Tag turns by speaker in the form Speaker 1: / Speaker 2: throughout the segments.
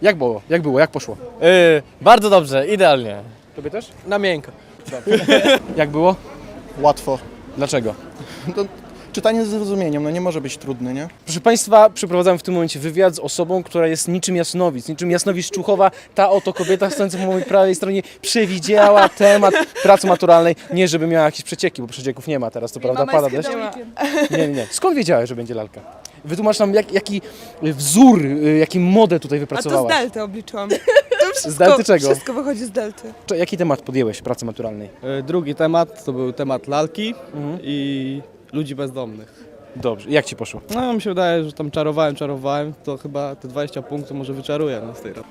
Speaker 1: Jak było? Jak było? Jak poszło?
Speaker 2: Bardzo dobrze, idealnie.
Speaker 1: Tobie też?
Speaker 3: Na miękko.
Speaker 1: Jak było?
Speaker 4: Łatwo.
Speaker 1: Dlaczego?
Speaker 4: To czytanie z zrozumieniem, no nie może być trudne, nie?
Speaker 1: Proszę Państwa, przeprowadzam w tym momencie wywiad z osobą, która jest niczym Jasnowicz Człuchowa. Ta oto kobieta stojąca po mojej prawej stronie przewidziała temat pracy maturalnej. Nie, żeby miała jakieś przecieki, bo przecieków nie ma teraz, to prawda, pada deszcz. Nie. Skąd wiedziałeś, że będzie lalka? Wytłumacz nam, jaki wzór, jaki model tutaj
Speaker 5: A to z
Speaker 1: wypracowałaś.
Speaker 5: delty obliczyłam.
Speaker 1: Z delty czego?
Speaker 5: Wszystko wychodzi z delty.
Speaker 1: Jaki temat podjęłeś pracy maturalnej?
Speaker 3: Drugi temat to był temat lalki i ludzi bezdomnych.
Speaker 1: Dobrze, jak Ci poszło?
Speaker 3: No mi się wydaje, że tam czarowałem, to chyba te 20 punktów może wyczaruję z tej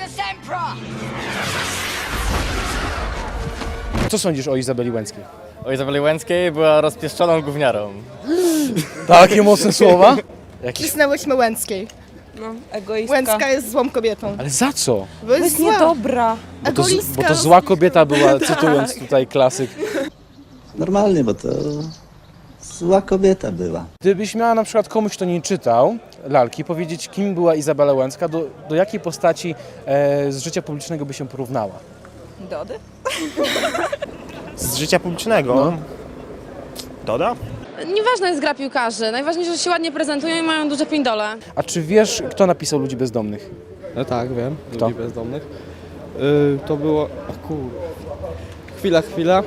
Speaker 1: Co sądzisz o Izabeli Łęckiej?
Speaker 2: O Izabeli Łęckiej była rozpieszczoną gówniarą.
Speaker 1: Takie mocne słowa? Jakiś...
Speaker 6: Cisnęłyśmy Łęckiej.
Speaker 5: No, egoistka.
Speaker 6: Łęcka jest złą kobietą.
Speaker 1: Ale za co?
Speaker 6: Bo
Speaker 5: To jest
Speaker 6: zła.
Speaker 5: niedobra.
Speaker 1: Bo to zła kobieta była, cytując tutaj klasyk.
Speaker 7: Normalnie, bo to zła kobieta była.
Speaker 1: Gdybyś miała na przykład komuś, kto nie czytał lalki, powiedzieć, kim była Izabela Łęcka, do jakiej postaci z życia publicznego by się porównała?
Speaker 5: Dody?
Speaker 8: Z życia publicznego?
Speaker 1: No.
Speaker 8: Doda?
Speaker 9: Nieważna jest gra piłkarzy, najważniejsze, że się ładnie prezentują i mają duże pindole.
Speaker 1: A czy wiesz, kto napisał Ludzi Bezdomnych?
Speaker 3: No tak, wiem,
Speaker 1: Kto?
Speaker 3: ludzi bezdomnych. To było... O kur... Chwila.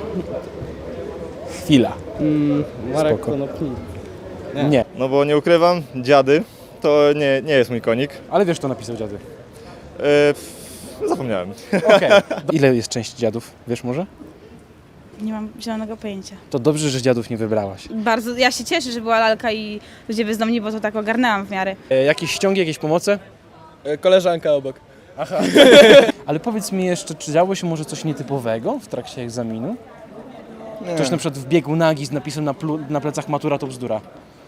Speaker 1: Chwila.
Speaker 3: Marek
Speaker 1: Spoko.
Speaker 3: Konopnik.
Speaker 1: Nie.
Speaker 10: No bo nie ukrywam, dziady to nie jest mój konik.
Speaker 1: Ale wiesz, kto napisał Dziady?
Speaker 10: Zapomniałem.
Speaker 1: Okej. Ile jest części Dziadów? Wiesz może?
Speaker 11: Nie mam zielonego pojęcia.
Speaker 1: To dobrze, że Dziadów nie wybrałaś.
Speaker 11: Bardzo, ja się cieszę, że była lalka i ludzie bezdomni, bo to tak ogarnęłam w miarę.
Speaker 1: Jakieś ściągi, jakieś pomoce?
Speaker 3: Koleżanka obok.
Speaker 1: Ale powiedz mi jeszcze, czy działo się może coś nietypowego w trakcie egzaminu?
Speaker 4: Nie.
Speaker 1: Ktoś na przykład wbiegł nagi z napisem na plecach matura to bzdura.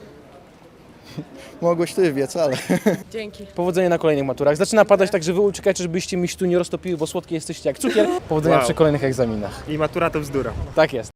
Speaker 4: Mogłeś ty wiec, ale...
Speaker 5: Dzięki.
Speaker 1: Powodzenia na kolejnych maturach. Zaczyna padać, także wy uciekajcie, żebyście mi się tu nie roztopiły, bo słodkie jesteście jak cukier. Powodzenia
Speaker 8: Wow.
Speaker 1: przy kolejnych egzaminach.
Speaker 8: I matura to bzdura.
Speaker 1: Tak jest.